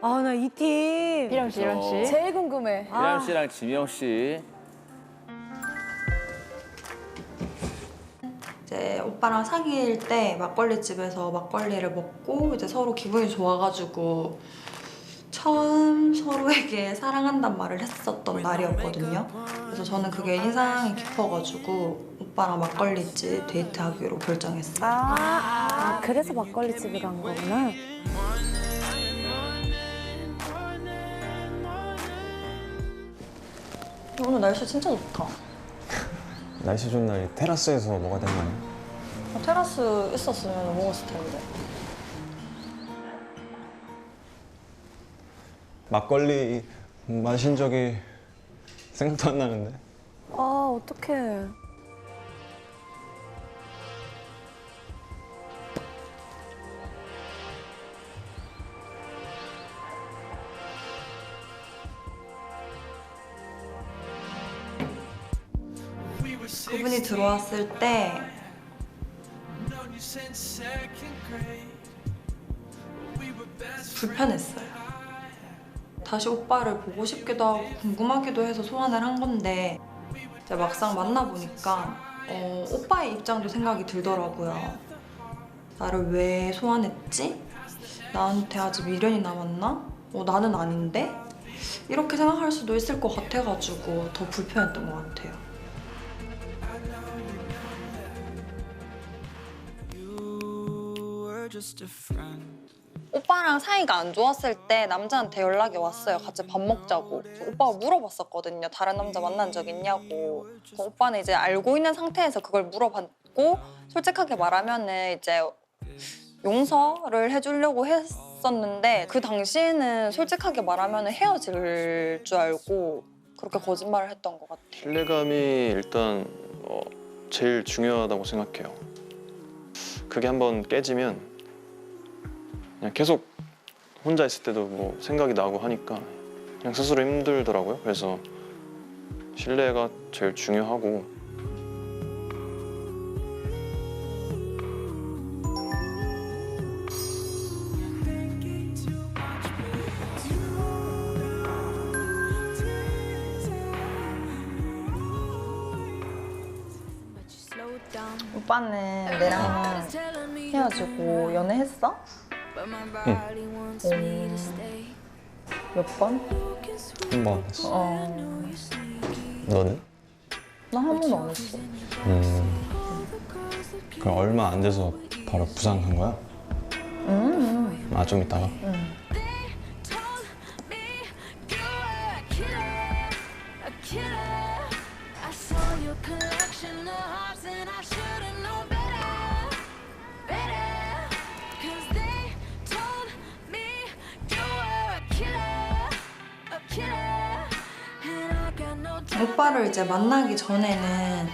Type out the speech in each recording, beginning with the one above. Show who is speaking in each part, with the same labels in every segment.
Speaker 1: 아, 나 이 팀.
Speaker 2: 이런 씨, 이런 씨.
Speaker 3: 제일 궁금해.
Speaker 4: 이란 씨랑 지명 씨.
Speaker 5: 이제 오빠랑 사귈 때 막걸리 집에서 막걸리를 먹고 이제 서로 기분이 좋아가지고 처음 서로에게 사랑한단 말을 했었던 날이었거든요. 그래서 저는 그게 인상이 깊어가지고 오빠랑 막걸리집 데이트하기로 결정했어요.
Speaker 3: 아, 그래서 막걸리집에 간 거구나.
Speaker 5: 오늘 날씨 진짜 좋다.
Speaker 6: 날씨 좋은 날 테라스에서 뭐가 된 거야?
Speaker 5: 테라스 있었으면 먹었을 텐데.
Speaker 6: 막걸리 마신 적이 생각도 안 나는데.
Speaker 3: 아, 어떡해.
Speaker 5: 그분이 들어왔을 때 불편했어요. 다시 오빠를 보고 싶기도 하고 궁금하기도 해서 소환을 한 건데 이제 막상 만나보니까 오빠의 입장도 생각이 들더라고요. 나를 왜 소환했지? 나한테 아직 미련이 남았나? 나는 아닌데? 이렇게 생각할 수도 있을 것 같아가지고 더 불편했던 것 같아요. 오빠랑 사이가 안 좋았을 때 남자한테 연락이 왔어요. 같이 밥 먹자고. 오빠가 물어봤었거든요. 다른 남자 만난 적 있냐고. 오빠는 이제 알고 있는 상태에서 그걸 물어봤고 솔직하게 말하면은 이제 용서를 해주려고 했었는데 그 당시에는 솔직하게 말하면 헤어질 줄 알고 그렇게 거짓말을 했던 것 같아요.
Speaker 7: 신뢰감이 일단 제일 중요하다고 생각해요. 그게 한번 깨지면 그냥 계속 혼자 있을 때도 뭐 생각이 나고 하니까 그냥 스스로 힘들더라고요. 그래서 신뢰가 제일 중요하고
Speaker 5: 오빠는 내랑 헤어지고 연애했어? 몇 번?
Speaker 6: 한 번 했어. 너는?
Speaker 5: 나 한 번도 안 했어.
Speaker 6: 그럼 얼마 안 돼서 바로 부산 간 거야? 아, 좀 있다가?
Speaker 5: 오빠를 이제 만나기 전에는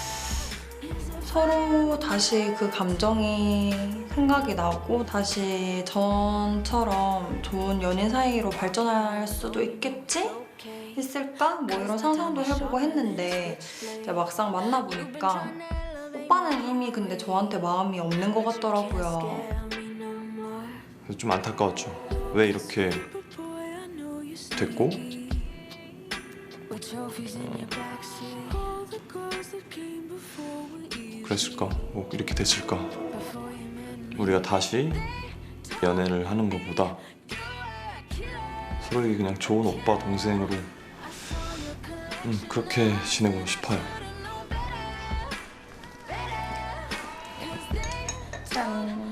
Speaker 5: 서로 다시 그 감정이 생각이 나고 다시 전처럼 좋은 연인 사이로 발전할 수도 있겠지? 있을까? 뭐 이런 상상도 해보고 했는데 이제 막상 만나보니까 오빠는 이미 근데 저한테 마음이 없는 것 같더라고요.
Speaker 7: 그래서 좀 안타까웠죠. 왜 이렇게 됐고 그랬을까? 뭐 이렇게 됐을까? 우리가 다시 연애를 하는 것보다 서로에게 그냥 좋은 오빠 동생으로 그렇게 지내고 싶어요.
Speaker 5: 짠.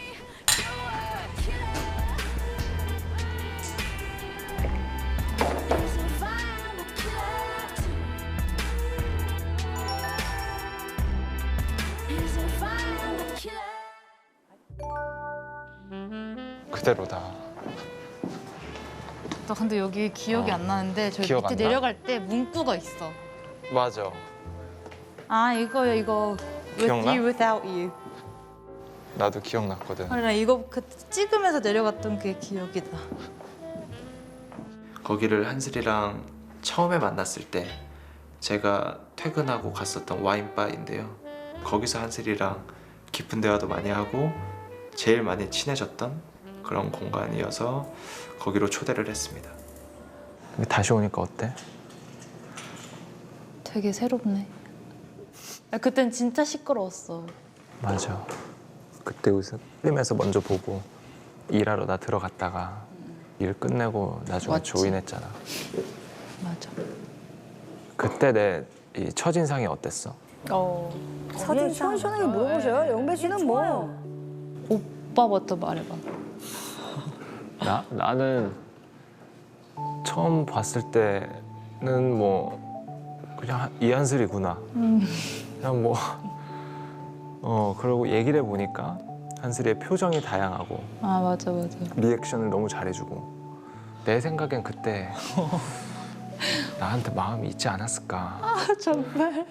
Speaker 8: 그대로다.
Speaker 2: 나 근데 여기 기억이 안 나는데 저기
Speaker 8: 기억
Speaker 2: 밑에
Speaker 8: 안 나?
Speaker 2: 내려갈 때 문구가 있어.
Speaker 8: 맞아.
Speaker 2: 아 이거요 이거. With
Speaker 8: 기억나?
Speaker 2: you, without you.
Speaker 8: 나도 기억났거든.
Speaker 2: 나 이거 그때 찍으면서 내려갔던 게 기억이다.
Speaker 9: 거기를 한슬이랑 처음에 만났을 때 제가 퇴근하고 갔었던 와인바인데요. 거기서 한슬이랑 깊은 대화도 많이 하고 제일 많이 친해졌던 그런 공간이어서 거기로 초대를 했습니다.
Speaker 8: 다시 오니까 어때?
Speaker 2: 되게 새롭네. 그땐 진짜 시끄러웠어.
Speaker 8: 맞아. 그때 우선 필름에서 먼저 보고 일하러 나 들어갔다가 일 끝내고 나중에
Speaker 2: 맞지.
Speaker 8: 조인했잖아.
Speaker 2: 맞아.
Speaker 8: 그때 내 이 첫인상이 어땠어?
Speaker 3: 사진 시원시원하게 물어보셔요. 영배 씨는 뭐.
Speaker 2: 오빠부터 말해봐.
Speaker 8: 나는 처음 봤을 때는 뭐 그냥 이한슬이구나. 그냥 뭐 그러고 얘기를 해보니까 한슬이의 표정이 다양하고
Speaker 2: 아 맞아.
Speaker 8: 리액션을 너무 잘해주고 내 생각엔 그때 나한테 마음이 있지 않았을까.
Speaker 2: 정말.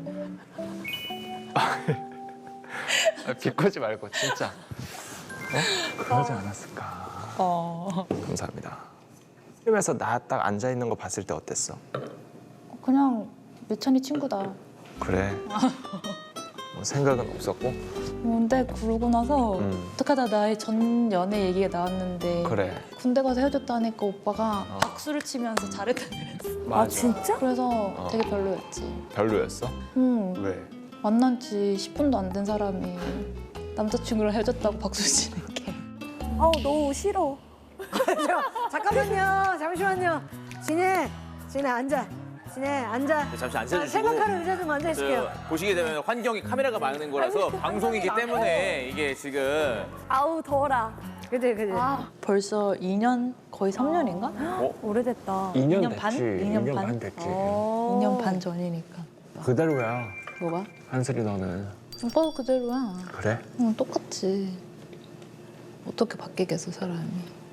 Speaker 8: 비꼬지 말고 진짜 그러지 않았을까. 감사합니다. 필름에서 나 딱 앉아 있는 거 봤을 때 어땠어?
Speaker 2: 그냥 미천이 친구다.
Speaker 8: 그래. 뭐 생각은 없었고.
Speaker 2: 근데 그러고 나서 어떡하다 나의 전 연애 얘기가 나왔는데
Speaker 8: 그래.
Speaker 2: 군대 가서 헤어졌다니까 오빠가
Speaker 8: 어.
Speaker 2: 박수를 치면서 잘했다 그랬어.
Speaker 3: 아, 진짜?
Speaker 2: 그래서 되게 별로였지.
Speaker 8: 별로였어?
Speaker 2: 왜? 만난 지 10분도 안 된 사람이 남자친구랑 헤어졌다고 박수 치는 게.
Speaker 3: 아우, 너무 싫어.
Speaker 1: 잠깐만요. 잠시만요. 진혜 앉아. 진혜 앉아.
Speaker 4: 잠시
Speaker 1: 자,
Speaker 4: 앉아주시고
Speaker 1: 생각하는 의자 좀 앉아주실게요.
Speaker 4: 보시게 되면 환경이 카메라가 막는 거라서 방송이기 때문에 이게 지금
Speaker 3: 아우, 더워라.
Speaker 1: 그지.
Speaker 2: 벌써 2년 거의 3년인가?
Speaker 3: 오래됐다.
Speaker 2: 2년 반? 2년 반?
Speaker 6: 됐지.
Speaker 2: 2년 반 전이니까.
Speaker 6: 그대로야.
Speaker 2: 뭐가?
Speaker 6: 한슬이 너는.
Speaker 2: 오빠도 그대로야.
Speaker 6: 그래?
Speaker 2: 응, 똑같지. 어떻게 바뀌겠어 사람이.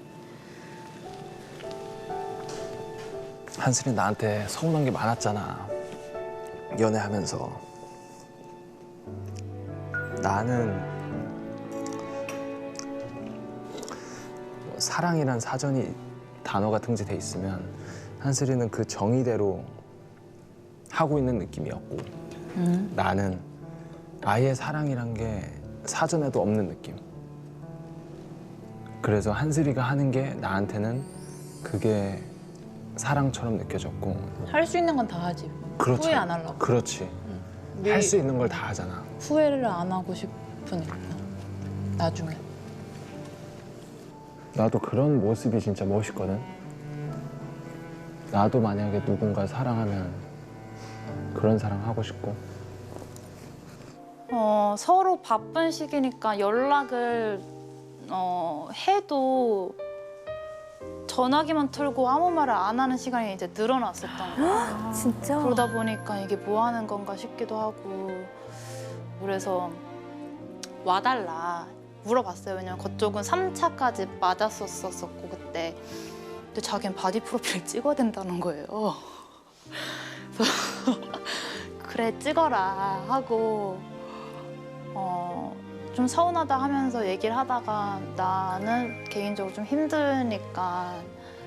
Speaker 8: 한슬이 나한테 서운한 게 많았잖아. 연애하면서. 나는 뭐 사랑이란 사전이 단어가 등재돼 있으면 한슬이는 그 정의대로 하고 있는 느낌이었고 나는 아예 사랑이란 게 사전에도 없는 느낌. 그래서 한슬이가 하는 게 나한테는 그게 사랑처럼 느껴졌고.
Speaker 2: 할 수 있는 건 다 하지.
Speaker 8: 그렇지.
Speaker 2: 후회 안 하려고.
Speaker 8: 그렇지.
Speaker 2: 우리
Speaker 8: 할 수 있는 걸 다 하잖아.
Speaker 2: 후회를 안 하고 싶으니까. 나중에.
Speaker 6: 나도 그런 모습이 진짜 멋있거든. 나도 만약에 누군가 사랑하면 그런 사랑 하고 싶고.
Speaker 2: 서로 바쁜 시기니까 연락을 해도 전화기만 틀고 아무 말을 안 하는 시간이 이제 늘어났었던 거야.
Speaker 3: 진짜?
Speaker 2: 그러다 보니까 이게 뭐 하는 건가 싶기도 하고. 그래서 와달라 물어봤어요. 왜냐면 그쪽은 3차까지 맞았었었고 그때. 근데 자기는 바디 프로필 찍어야 된다는 거예요. 그래서 그래 찍어라 하고 좀 서운하다 하면서 얘기를 하다가 나는 개인적으로 좀 힘드니까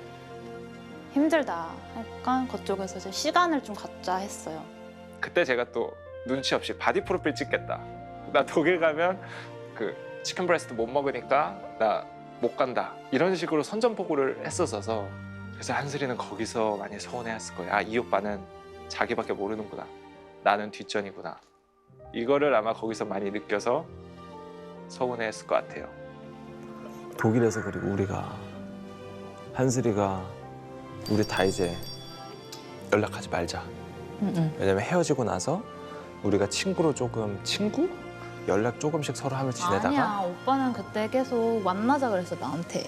Speaker 2: 힘들다 하니까 그쪽에서 이제 시간을 좀 갖자 했어요.
Speaker 8: 그때 제가 또 눈치 없이 바디 프로필 찍겠다. 나 독일 가면 그 치킨 브레스트 못 먹으니까 나 못 간다. 이런 식으로 선전포고를 했었어서 그래서 한슬이는 거기서 많이 서운해했을 거예요. 아, 이 오빠는 자기밖에 모르는구나. 나는 뒷전이구나. 이거를 아마 거기서 많이 느껴서 서운해했을 것 같아요.
Speaker 6: 독일에서 그리고 우리가 한슬이가 우리 다 이제
Speaker 8: 연락하지 말자. 왜냐면 헤어지고 나서 우리가 친구로 조금 친구? 연락 조금씩 서로 하며 지내다가
Speaker 2: 아니야 오빠는 그때 계속 만나자 그랬어 나한테.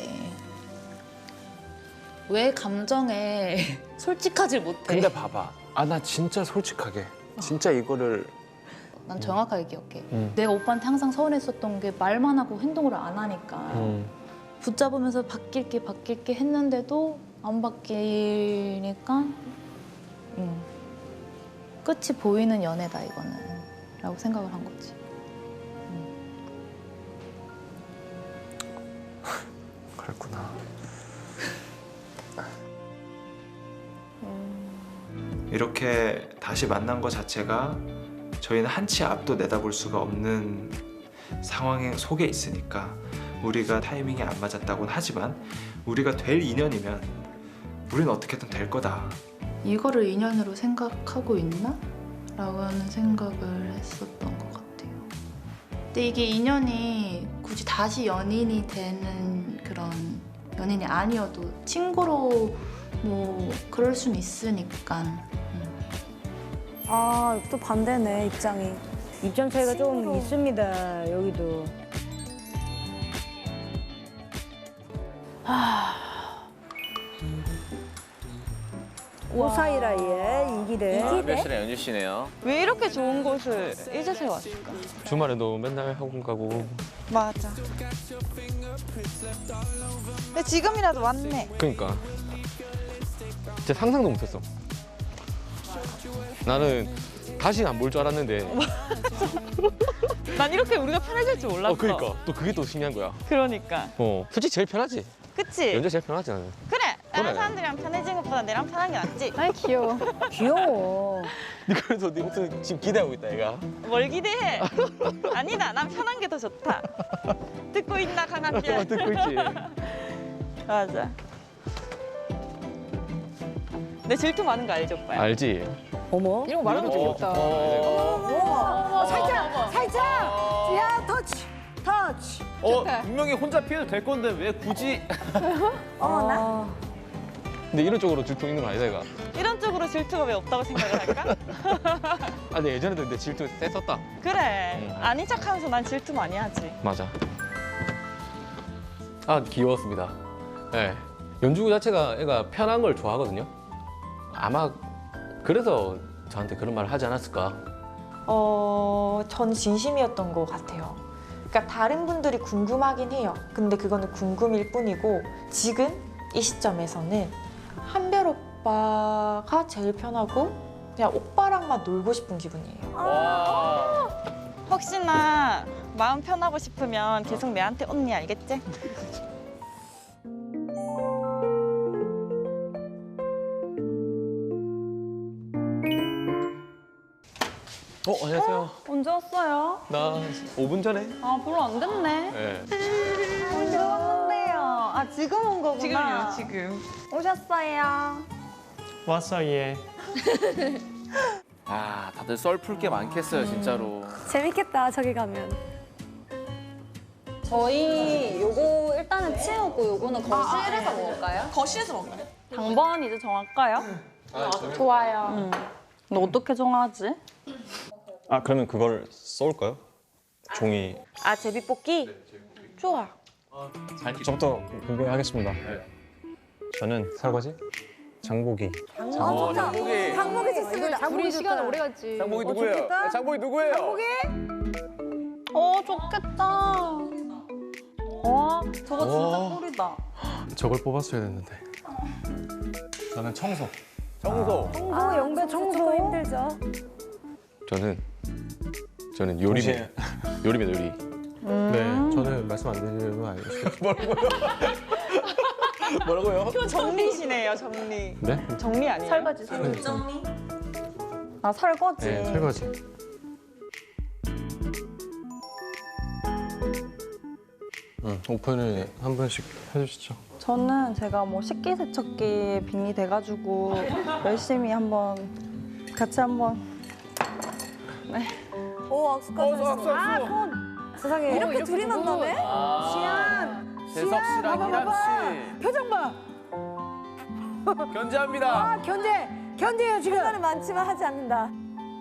Speaker 2: 왜 감정에 솔직하지 못해?
Speaker 8: 근데 봐봐. 아, 나 진짜 솔직하게 진짜 이거를
Speaker 2: 난 정확하게 기억해. 내가 오빠한테 항상 서운했었던 게 말만 하고 행동을 안 하니까 붙잡으면서 바뀔게 했는데도 안 바뀌니까 끝이 보이는 연애다 이거는 라고 생각을 한 거지.
Speaker 8: 그랬구나.
Speaker 9: 이렇게 다시 만난 것 자체가 저희는 한치 앞도 내다볼 수가 없는 상황 속에 있으니까 우리가 타이밍이 안 맞았다고는 하지만 우리가 될 인연이면 우린 어떻게든 될 거다.
Speaker 2: 이거를 인연으로 생각하고 있나? 라고는 생각을 했었던 것 같아요. 근데 이게 인연이 굳이 다시 연인이 되는 그런 연인이 아니어도 친구로 뭐 그럴 순 있으니까.
Speaker 3: 아, 또 반대네, 입장이.
Speaker 1: 입장 차이가 좀 있습니다. 여기도. 오사이라의 이기대.
Speaker 4: 몇 시나 연주 씨네요.
Speaker 5: 왜 이렇게 좋은 곳을 이제서야 왔을까?
Speaker 10: 주말에도 맨날 학원 가고.
Speaker 5: 맞아. 근데 지금이라도 왔네.
Speaker 10: 그러니까 진짜 상상도 못했어. 나는 다시는 안 볼 줄 알았는데.
Speaker 5: 난 이렇게 우리가 편해질 줄 몰랐어.
Speaker 10: 그러니까 또 그게 또 신기한 거야.
Speaker 5: 그러니까.
Speaker 10: 솔직히 제일 편하지.
Speaker 5: 그치?
Speaker 10: 연주 제일 편하지 나는.
Speaker 5: 그래. 다른
Speaker 10: 그래.
Speaker 5: 사람들이랑 편해진 것보다 내랑 편한 게 낫지.
Speaker 2: 아이 귀여워.
Speaker 1: 귀여워.
Speaker 10: 그래서 네 목소리 지금 기대하고 있다 얘가.
Speaker 5: 뭘 기대해? 아니다. 난 편한 게 더 좋다. 듣고 있나 강한별.
Speaker 10: 듣고 있지.
Speaker 5: 맞아. 내 질투 많은 거 알죠, 오빠야?
Speaker 10: 알지.
Speaker 1: 어머.
Speaker 2: 이런 거 말하면 되겠다.
Speaker 1: 어머, 살짝, 살짝. 야, 터치.
Speaker 4: 분명히 혼자 피해도 될 건데 왜 굳이?
Speaker 3: 어머나.
Speaker 10: 근데 이런 쪽으로 질투 있는 거 아니다 얘가.
Speaker 5: 이런 쪽으로 질투가 왜 없다고 생각을 할까?
Speaker 10: 아 근데 예전에도 내 질투 셌었다.
Speaker 5: 그래. 아닌 척하면서 난 질투 많이 하지.
Speaker 10: 맞아. 아 귀여웠습니다. 네. 연주 자체가 애가 편한 걸 좋아하거든요. 아마 그래서 저한테 그런 말을 하지 않았을까.
Speaker 11: 전 진심이었던 것 같아요. 그러니까 다른 분들이 궁금하긴 해요. 근데 그거는 궁금일 뿐이고 지금 이 시점에서는 한별 오빠가 제일 편하고 그냥 오빠랑만 놀고 싶은 기분이에요.
Speaker 5: 혹시나 마음 편하고 싶으면 계속 내한테 언니 알겠지?
Speaker 10: 안녕하세요.
Speaker 5: 언제 왔어요?
Speaker 10: 나 5분 전에.
Speaker 5: 아, 별로 안 됐네.
Speaker 10: 네.
Speaker 5: 언제 왔는데요? 아, 지금 온 거구나.
Speaker 11: 지금.
Speaker 5: 오셨어요.
Speaker 6: 왔어 얘.
Speaker 4: 아, 다들 썰 풀 게 많겠어요, 진짜로.
Speaker 3: 재밌겠다, 저기 가면.
Speaker 2: 저희 요거 일단은 치우고 요거는 거실에서 먹을까요?
Speaker 5: 거실에서 먹나요?
Speaker 2: 당번 이제 정할까요? 좋아요. 너 어떻게 정하지?
Speaker 6: 아 그러면 그걸 써올까요? 종이.
Speaker 11: 아, 제비뽑기? 좋아.
Speaker 6: 저부터 공개하겠습니다. 저는 설거지, 장보기.
Speaker 4: 장보기.
Speaker 3: 장보기 좋습니다.
Speaker 1: 우리 시간 오래
Speaker 2: 갔지.
Speaker 4: 장보기 누구예요? 장보기 누구예요?
Speaker 2: 좋겠다. 저거 진짜 꿀이다.
Speaker 6: 저걸 뽑았어야 됐는데. 저는 청소.
Speaker 4: 청소.
Speaker 3: 청소, 영배 청소 힘들죠.
Speaker 10: 저는 요리입니다. 요리입니다, 요리.
Speaker 6: 네, 저는 말씀 안 드리면 알겠어요.
Speaker 10: 뭐라고요?
Speaker 5: 정리시네요, 정리.
Speaker 6: 네?
Speaker 5: 정리 아니에요?
Speaker 2: 설거지.
Speaker 11: 정리?
Speaker 5: 아, 설거지.
Speaker 6: 네, 설거지. 오픈을 한 번씩 해주시죠.
Speaker 5: 저는 제가 뭐 식기세척기에 빙의 돼가지고 열심히 한번 같이 한번
Speaker 3: 오, 악수까지 하시네. 세상에, 이렇게 둘이 만나네?
Speaker 4: 재석 씨랑 희람 씨.
Speaker 1: 표정 봐.
Speaker 4: 견제합니다.
Speaker 1: 견제해요, 지금.
Speaker 3: 시간이 많지만 하지 않는다.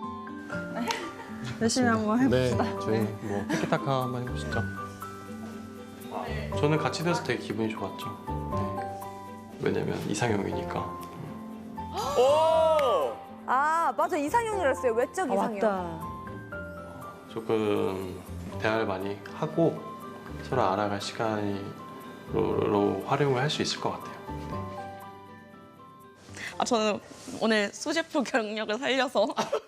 Speaker 5: 열심히 한번 해봅시다.
Speaker 6: 네, 저희 뭐 티키타카 한번 해보시죠. 저는 같이 돼서 되게 기분이 좋았죠.
Speaker 7: 왜냐면 이상형이니까.
Speaker 4: 오!
Speaker 3: 아, 맞아. 이상형이랬어요. 외적 이상형.
Speaker 1: 맞다.
Speaker 7: 조금 대화를 많이 하고 서로 알아갈 시간으로 활용을 할 수 있을 것 같아요.
Speaker 11: 아, 저는 오늘 수제프 경력을 살려서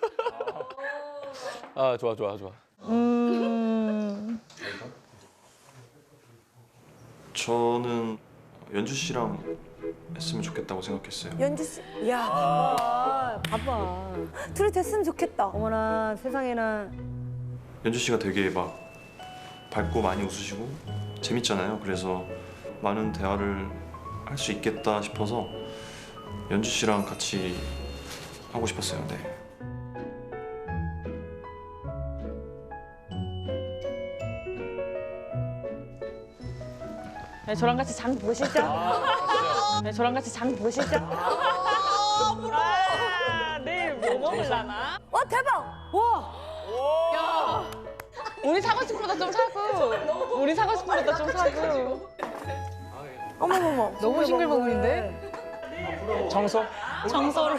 Speaker 10: 아 좋아.
Speaker 7: 저는 연주 씨랑 했으면 좋겠다고 생각했어요.
Speaker 3: 연주 씨. 야,
Speaker 1: 봐봐.
Speaker 3: 둘이 됐으면 좋겠다.
Speaker 1: 어머나, 세상에나.
Speaker 7: 연주 씨가 되게 막 밝고 많이 웃으시고 재밌잖아요. 그래서 많은 대화를 할 수 있겠다 싶어서 연주 씨랑 같이 하고 싶었어요. 네.
Speaker 11: 네, 저랑 같이 장 보시죠. 네, 저랑 같이 장 보시죠. 내일 뭐 먹을라나?
Speaker 3: 와 대박! 와!
Speaker 11: 우리 사고 싶은 것도 좀 사고. 우리 사고 싶은 것도 좀 사고.
Speaker 3: 어머머머.
Speaker 1: 너무 싱글벙글인데?
Speaker 8: 청소?
Speaker 2: 정서를.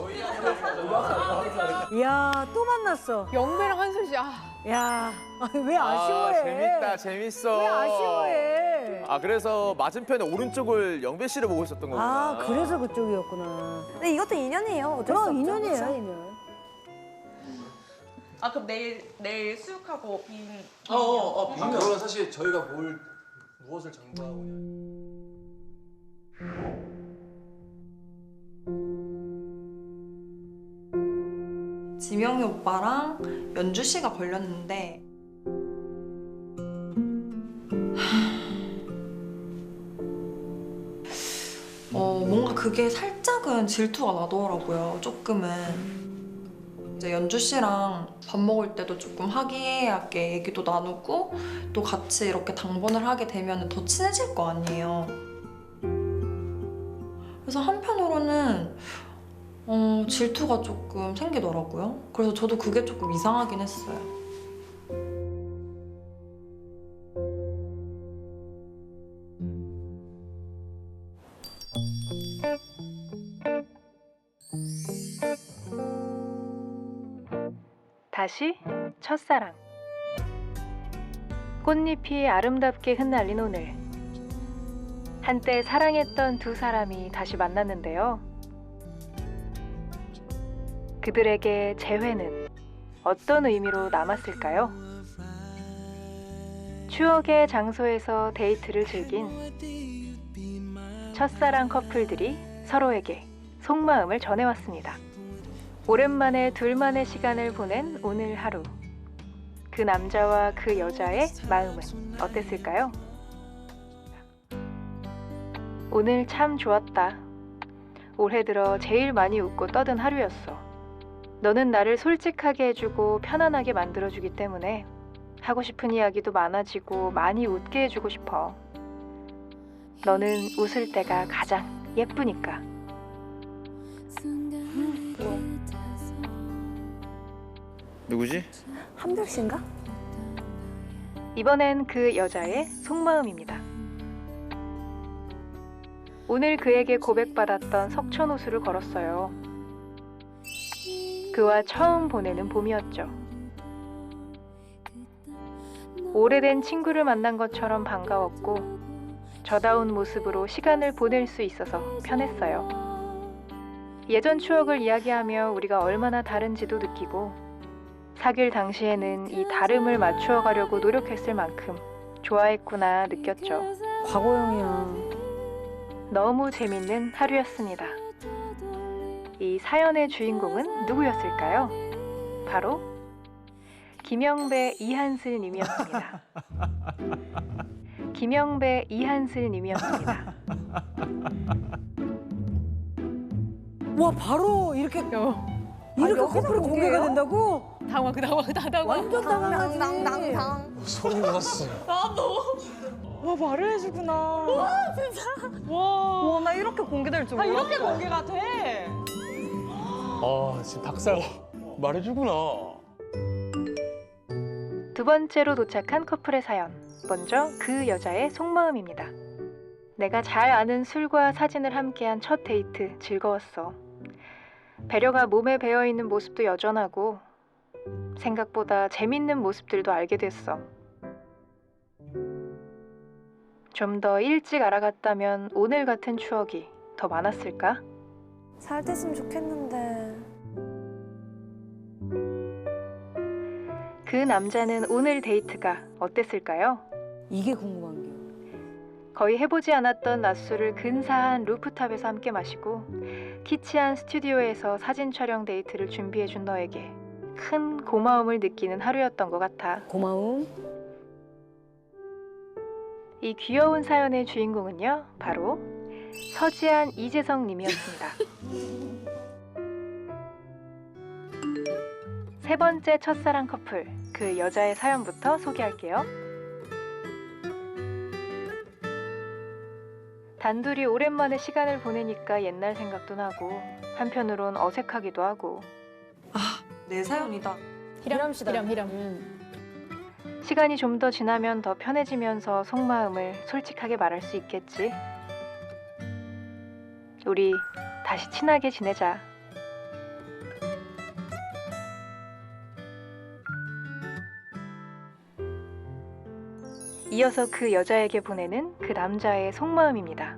Speaker 1: 이야, 또 만났어.
Speaker 3: 영배랑 한솔 씨.
Speaker 1: 야, 왜 아쉬워해?
Speaker 4: 재밌다, 재밌어.
Speaker 1: 왜 아쉬워해?
Speaker 4: 아, 그래서 맞은편에 오른쪽을 영배 씨를 보고 있었던 거구나.
Speaker 1: 아, 그래서 그쪽이었구나.
Speaker 3: 근데 이것도 인연이에요. 어쩔 수 없죠.
Speaker 1: 그럼 인연이에요,
Speaker 3: 그쵸?
Speaker 1: 인연.
Speaker 11: 아 그럼 내일 수육하고 빈.
Speaker 6: 그건 사실 저희가 무엇을 장구하고
Speaker 5: 지명이 오빠랑 연주 씨가 걸렸는데 뭔가 그게 살짝은 질투가 나더라고요. 조금은. 이제 연주 씨랑 밥 먹을 때도 조금 화기애애하게 얘기도 나누고 또 같이 이렇게 당번을 하게 되면 더 친해질 거 아니에요. 그래서 한편으로는 질투가 조금 생기더라고요. 그래서 저도 그게 조금 이상하긴 했어요.
Speaker 12: 다시 첫사랑. 꽃잎이 아름답게 흩날린 오늘. 한때 사랑했던 두 사람이 다시 만났는데요. 그들에게 재회는 어떤 의미로 남았을까요? 추억의 장소에서 데이트를 즐긴 첫사랑 커플들이 서로에게 속마음을 전해왔습니다. 오랜만에 둘만의 시간을 보낸 오늘 하루. 그 남자와 그 여자의 마음은 어땠을까요? 오늘 참 좋았다. 올해 들어 제일 많이 웃고 떠든 하루였어. 너는 나를 솔직하게 해주고 편안하게 만들어주기 때문에 하고 싶은 이야기도 많아지고 많이 웃게 해주고 싶어. 너는 웃을 때가 가장 예쁘니까.
Speaker 4: 누구지?
Speaker 3: 한별 씨인가?
Speaker 12: 이번엔 그 여자의 속마음입니다. 오늘 그에게 고백받았던 석촌호수를 걸었어요. 그와 처음 보내는 봄이었죠. 오래된 친구를 만난 것처럼 반가웠고 저다운 모습으로 시간을 보낼 수 있어서 편했어요. 예전 추억을 이야기하며 우리가 얼마나 다른지도 느끼고 사귈 당시에는 이 다름을 맞추어 가려고 노력했을 만큼 좋아했구나 느꼈죠.
Speaker 1: 과거형이야.
Speaker 12: 너무 재밌는 하루였습니다. 이 사연의 주인공은 누구였을까요? 바로 김영배 이한슬 님이었습니다. 김영배 이한슬 님이었습니다.
Speaker 1: 와, 바로 이렇게 커플이 공개가 된다고?
Speaker 3: 당황.
Speaker 1: 완전 당황하지.
Speaker 6: 소름 돋았어.
Speaker 11: 와 말을 해주구나. 와 진짜. 와 나 이렇게 공개될 줄 몰랐어. 이렇게 공개가 돼?
Speaker 10: 아 지금 닭살 말해주구나.
Speaker 12: 두 번째로 도착한 커플의 사연. 먼저 그 여자의 속마음입니다. 내가 잘 아는 술과 사진을 함께한 첫 데이트 즐거웠어. 배려가 몸에 배어있는 모습도 여전하고 생각보다 재밌는 모습들도 알게 됐어. 좀 더 일찍 알아갔다면 오늘 같은 추억이 더 많았을까?
Speaker 3: 잘 됐으면 좋겠는데.
Speaker 12: 그 남자는 오늘 데이트가 어땠을까요?
Speaker 1: 이게 궁금한 게.
Speaker 12: 거의 해보지 않았던 낮술을 근사한 루프탑에서 함께 마시고 키치한 스튜디오에서 사진 촬영 데이트를 준비해준 너에게 큰 고마움을 느끼는 하루였던 것 같아.
Speaker 1: 고마움.
Speaker 12: 이 귀여운 사연의 주인공은요, 바로 서지한, 이재성 님이었습니다. 세 번째 첫사랑 커플, 그 여자의 사연부터 소개할게요. 단둘이 오랜만에 시간을 보내니까 옛날 생각도 나고 한편으론 어색하기도 하고.
Speaker 5: 내 사연이다.
Speaker 3: 히람.
Speaker 12: 시간이 좀 더 지나면 더 편해지면서 속마음을 솔직하게 말할 수 있겠지. 우리 다시 친하게 지내자. 이어서 그 여자에게 보내는 그 남자의 속마음입니다.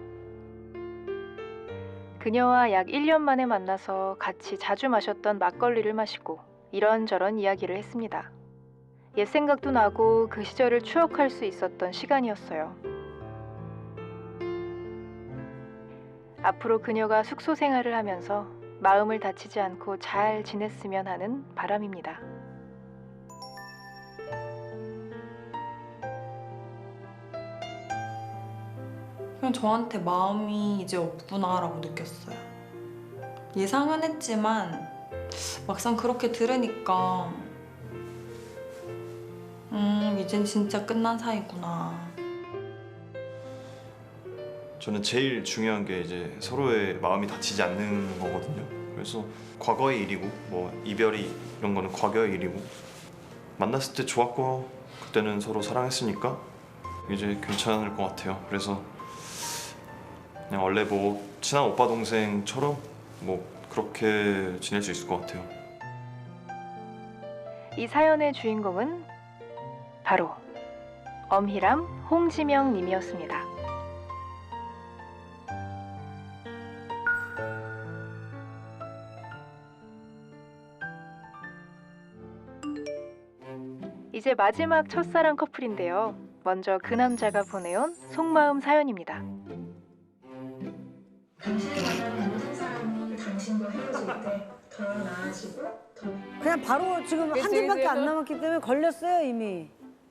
Speaker 12: 그녀와 약 1년 만에 만나서 같이 자주 마셨던 막걸리를 마시고 이런저런 이야기를 했습니다. 옛 생각도 나고 그 시절을 추억할 수 있었던 시간이었어요. 앞으로 그녀가 숙소 생활을 하면서 마음을 다치지 않고 잘 지냈으면 하는 바람입니다.
Speaker 5: 그냥 저한테 마음이 이제 없구나라고 느꼈어요. 예상은 했지만 막상 그렇게 들으니까 이젠 진짜 끝난 사이구나.
Speaker 7: 저는 제일 중요한 게 이제 서로의 마음이 다치지 않는 거거든요. 그래서 과거의 일이고 뭐 이별이 이런 거는 과거의 일이고 만났을 때 좋았고 그때는 서로 사랑했으니까 이제 괜찮을 것 같아요. 그래서 그냥 원래 뭐 친한 오빠 동생처럼 뭐 그렇게 지낼 수 있을 것 같아요.
Speaker 12: 이 사연의 주인공은 바로 엄희람, 홍지명 님이었습니다. 이제 마지막 첫사랑 커플인데요. 먼저 그 남자가 보내온 속마음 사연입니다.
Speaker 13: 당신이 만나는 모든 사람이 당신과 헤어질 때 더 나아지고 더
Speaker 1: 그냥 바로 지금 한 집밖에 안 남았기 때문에 걸렸어요 이미.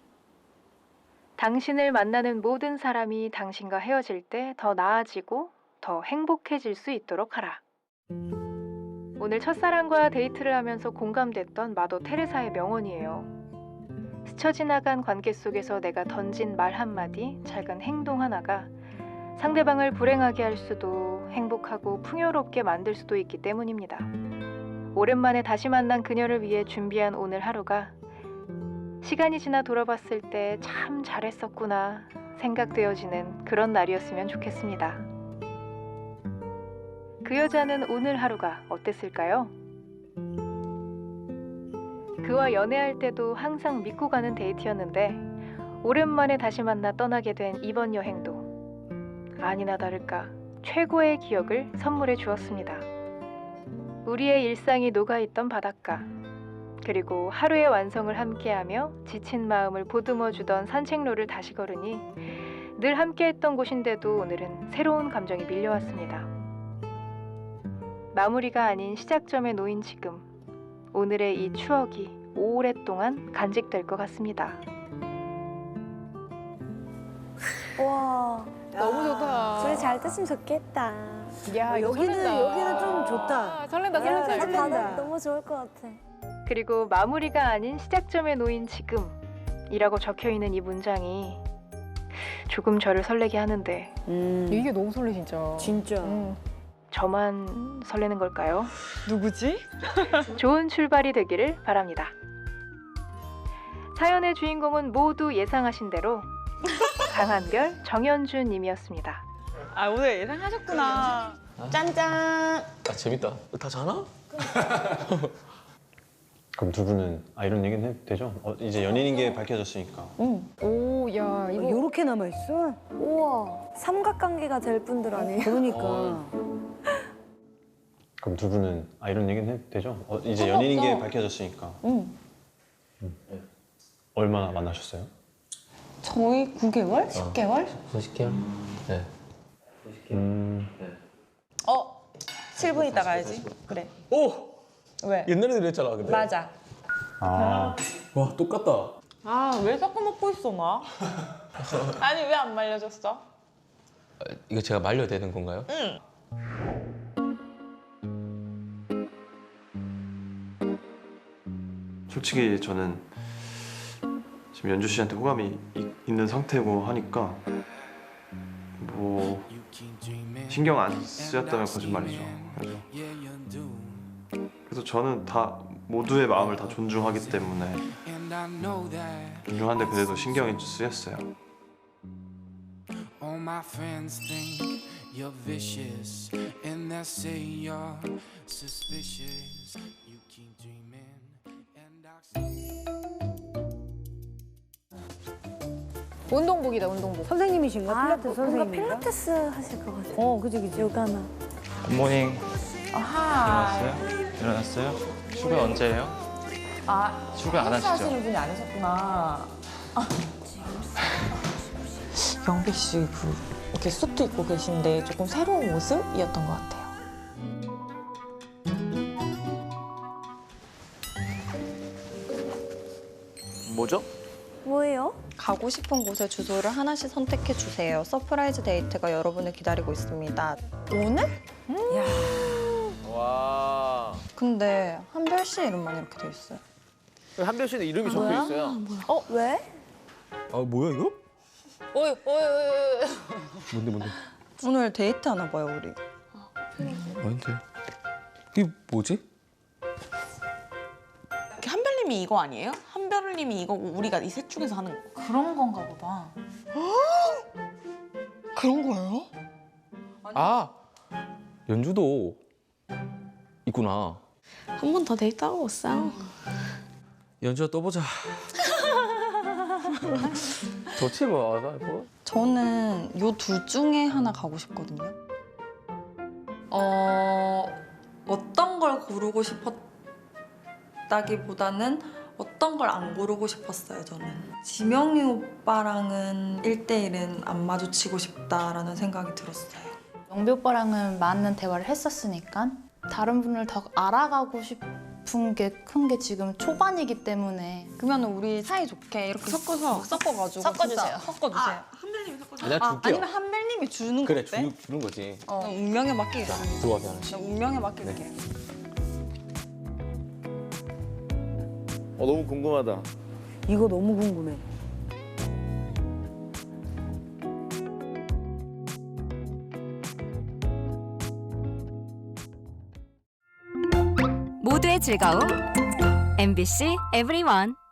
Speaker 12: 당신을 만나는 모든 사람이 당신과 헤어질 때 더 나아지고 더 행복해질 수 있도록 하라. 오늘 첫사랑과 데이트를 하면서 공감됐던 마더 테레사의 명언이에요. 스쳐 지나간 관계 속에서 내가 던진 말 한마디, 작은 행동 하나가 상대방을 불행하게 할 수도 행복하고 풍요롭게 만들 수도 있기 때문입니다. 오랜만에 다시 만난 그녀를 위해 준비한 오늘 하루가 시간이 지나 돌아봤을 때 참 잘했었구나 생각되어지는 그런 날이었으면 좋겠습니다. 그 여자는 오늘 하루가 어땠을까요? 그와 연애할 때도 항상 믿고 가는 데이트였는데 오랜만에 다시 만나 떠나게 된 이번 여행도 아니나 다를까 최고의 기억을 선물해 주었습니다. 우리의 일상이 녹아있던 바닷가, 그리고 하루의 완성을 함께하며 지친 마음을 보듬어주던 산책로를 다시 걸으니 늘 함께했던 곳인데도 오늘은 새로운 감정이 밀려왔습니다. 마무리가 아닌 시작점에 놓인 지금, 오늘의 이 추억이 오랫동안 간직될 것 같습니다.
Speaker 3: 와.
Speaker 14: 너무 좋다.
Speaker 3: 둘이 잘 됐으면 좋겠다.
Speaker 14: 야, 이거
Speaker 1: 여기는 좀 좋다.
Speaker 14: 아, 설렌다, 설렌다.
Speaker 3: 야,
Speaker 14: 이거.
Speaker 3: 바다 너무 좋을 것 같아.
Speaker 12: 그리고 마무리가 아닌 시작점에 놓인 지금이라고 적혀있는 이 문장이 조금 저를 설레게 하는데
Speaker 14: 이게 너무 설레 진짜.
Speaker 1: 진짜.
Speaker 12: 저만 설레는 걸까요?
Speaker 11: 누구지?
Speaker 12: 좋은 출발이 되기를 바랍니다. 사연의 주인공은 모두 예상하신 대로 강한별, 정현준 님이었습니다.
Speaker 11: 아, 오늘 예상하셨구나. 짠짠.
Speaker 10: 아 재밌다. 다 자나?
Speaker 6: 그럼 두 분은 이런 얘기는 해도 되죠? 이제 연인인 게 밝혀졌으니까.
Speaker 14: 오, 야, 이거
Speaker 1: 요렇게 남아 있어?
Speaker 3: 우와. 삼각관계가 될 분들 아니에요?
Speaker 1: 그러니까.
Speaker 6: 그럼 두 분은 이런 얘기는 해도 되죠? 이제 연인인 게 밝혀졌으니까. 얼마나 만나셨어요?
Speaker 11: 저희 9개월? 10개월?
Speaker 10: 90개월? 네.
Speaker 11: 7분 있다 가야지. 그래.
Speaker 10: 오!
Speaker 11: 왜?
Speaker 10: 옛날에 그랬잖아 근데.
Speaker 11: 맞아.
Speaker 6: 아,
Speaker 10: 와 똑같다.
Speaker 11: 아, 왜 자꾸 먹고 있어, 나? 아니, 왜 안 말려줬어?
Speaker 10: 이거 제가 말려야 되는 건가요?
Speaker 11: 응.
Speaker 7: 솔직히 저는 지금 연주 씨한테 호감이 있는 상태고 하니까 뭐 신경 안 쓰였다면 거짓말이죠. 그래서 저는 다 모두의 마음을 다 존중하기 때문에 존중하는데 그래도 신경이 쓰였어요.
Speaker 15: All my friends think you're vicious, and they say you're suspicious. You keep dreaming, and
Speaker 14: 운동복이다, 운동복.
Speaker 3: 선생님이신가? 필라테스
Speaker 16: 뭔가
Speaker 3: 선생님인가?
Speaker 16: 필라테스 하실 것 같아요.
Speaker 3: 그지.
Speaker 16: 요가나.
Speaker 9: 굿모닝.
Speaker 11: 아하.
Speaker 9: 일어났어요? 출근 언제예요?
Speaker 11: 아,
Speaker 9: 출근 안 하시죠?
Speaker 11: 하시는 분이 아니셨구나. 영배 씨, 이렇게 수트 입고 계신데 조금 새로운 모습이었던 것 같아요.
Speaker 4: 뭐죠?
Speaker 16: 뭐예요?
Speaker 5: 가고 싶은 곳의 주소를 하나씩 선택해 주세요. 서프라이즈 데이트가 여러분을 기다리고 있습니다. 오늘?
Speaker 4: 와.
Speaker 5: 근데 한별 씨 이름만 이렇게 돼 있어요.
Speaker 4: 한별 씨는 이름이 적혀 있어요.
Speaker 16: 왜?
Speaker 10: 아 뭐야 이거?
Speaker 11: 어이.
Speaker 10: 뭔데?
Speaker 5: 오늘 데이트 하나 봐요, 우리.
Speaker 10: 뭔데? 이게 뭐지?
Speaker 11: 한별님이 이거 아니에요? 한별님이 이거고 우리가 이 셋 중에서 하는 거.
Speaker 2: 그런 건가 보다.
Speaker 11: 그런 거예요?
Speaker 10: 아 연주도 있구나.
Speaker 16: 한 번 더 데이트하고 올싸.
Speaker 10: 연주야 또 보자. 좋지 뭐.
Speaker 5: 저는 요 둘 중에 하나 가고 싶거든요. 어떤 걸 고르고 싶었다기보다는 어떤 걸 안 고르고 싶었어요, 저는. 지명이 오빠랑은 1대1은 안 마주치고 싶다라는 생각이 들었어요.
Speaker 2: 영배 오빠랑은 많은 대화를 했었으니까 다른 분을 더 알아가고 싶은 게 큰 게 지금 초반이기 때문에.
Speaker 5: 그러면 우리 사이좋게 이렇게 섞어가지고
Speaker 2: 섞어주세요.
Speaker 5: 진짜 섞어주세요.
Speaker 11: 한별님이 섞어주세요.
Speaker 10: 내가 줄게요.
Speaker 5: 아니면 한별님이 주는 거
Speaker 10: 그래
Speaker 5: 어때?
Speaker 10: 주는 거지.
Speaker 5: 운명에 맡기겠습니다.
Speaker 10: 들어가게 하는.
Speaker 5: 나 운명에 맡길게요.
Speaker 4: 너무 궁금하다.
Speaker 3: 이거 너무 궁금해.
Speaker 17: 모두의 즐거움 MBC EVERYONE.